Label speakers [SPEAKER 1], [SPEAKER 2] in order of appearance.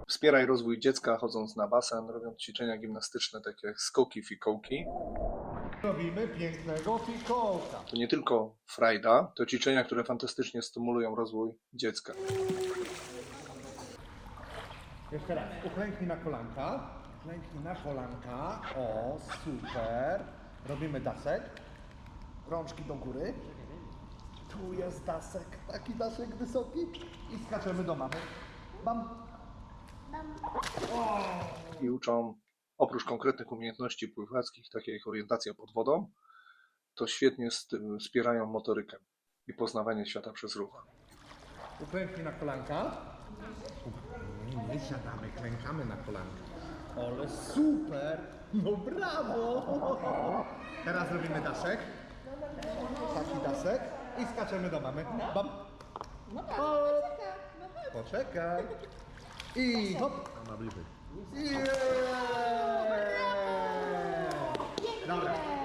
[SPEAKER 1] Wspieraj rozwój dziecka chodząc na basen, robiąc ćwiczenia gimnastyczne takie jak skoki, fikołki.
[SPEAKER 2] Robimy pięknego fikołka.
[SPEAKER 1] To nie tylko frajda, to ćwiczenia, które fantastycznie stymulują rozwój dziecka.
[SPEAKER 2] Jeszcze raz. Uklęknij na kolanka. Uklęknij na kolanka. O, super. Robimy dasek. Rączki do góry. Tu jest dasek. Taki dasek wysoki. I skaczemy do mamy. Bam.
[SPEAKER 1] I uczą, oprócz konkretnych umiejętności pływackich, takie jak orientacja pod wodą, to świetnie wspierają motorykę i poznawanie świata przez ruch.
[SPEAKER 2] Uklęknij na kolanka. Nie siadamy, klękamy na kolanka. Ale super! No brawo! Teraz robimy dasek. Taki dasek. I skaczemy do mamy. Bam. Hop. Poczekaj. I hop.
[SPEAKER 3] Mama bliżej.
[SPEAKER 2] Yeah. Dobra.